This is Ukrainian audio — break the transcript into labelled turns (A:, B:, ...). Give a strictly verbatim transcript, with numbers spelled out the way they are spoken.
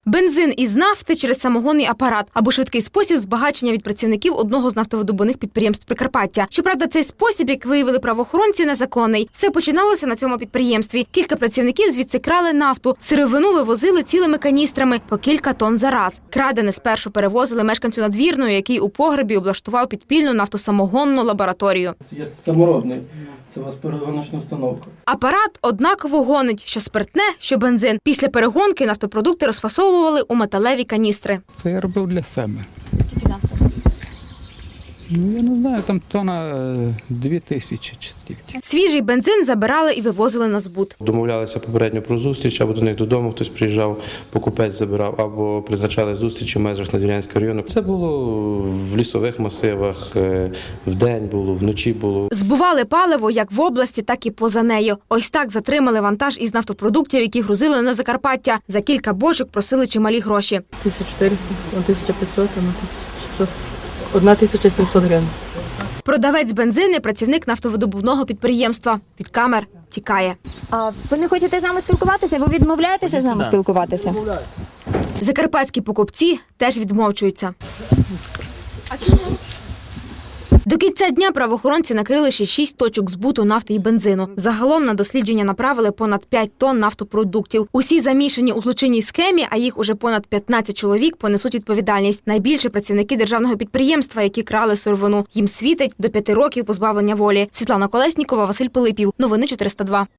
A: Бензин із нафти через самогонний апарат або швидкий спосіб збагачення від працівників одного з нафтовидобувних підприємств Прикарпаття. Щоправда, цей спосіб, як виявили правоохоронці, незаконний. Все починалося на цьому підприємстві. Кілька працівників звідси крали нафту. Сировину вивозили цілими каністрами по кілька тонн за раз. Крадене спершу перевозили мешканцю Надвірної, який у погребі облаштував підпільну нафтосамогонну лабораторію.
B: Є саморобний. Це у вас перегоночна установка.
A: Апарат однаково гонить, що спиртне, що бензин. Після перегонки нафтопродукти розфасовували у металеві каністри.
C: Це я робив для себе. Ну, я не знаю, там тонна дві тисячі чи стільки.
A: Свіжий бензин забирали і вивозили на збут.
D: Домовлялися попередньо про зустріч, або до них додому хтось приїжджав, покупець забирав, або призначали зустрічі в межах Надвірнянського району. Це було в лісових масивах, вдень було, вночі було.
A: Збували паливо як в області, так і поза нею. Ось так затримали вантаж із нафтопродуктів, які грузили на Закарпаття. За кілька бочок просили чималі гроші.
E: тисяча чотириста, тисяча п'ятсот, тисяча шістсот, одна тисяча сімсот гривень.
A: Продавець бензини – працівник нафтовидобувного підприємства. Від камер тікає.
F: А ви не хочете з нами спілкуватися? Ви відмовляєтеся з нами спілкуватися?
A: Закарпатські покупці теж відмовчуються. А чому? До кінця дня правоохоронці накрили ще шість точок збуту нафти і бензину. Загалом на дослідження направили понад п'ять тонн нафтопродуктів. Усі замішані у злочинній схемі, а їх уже понад п'ятнадцять чоловік, понесуть відповідальність. Найбільше працівники державного підприємства, які крали сировину. Їм світить до п'яти років позбавлення волі. Світлана Колеснікова, Василь Пилипів. Новини чотириста два.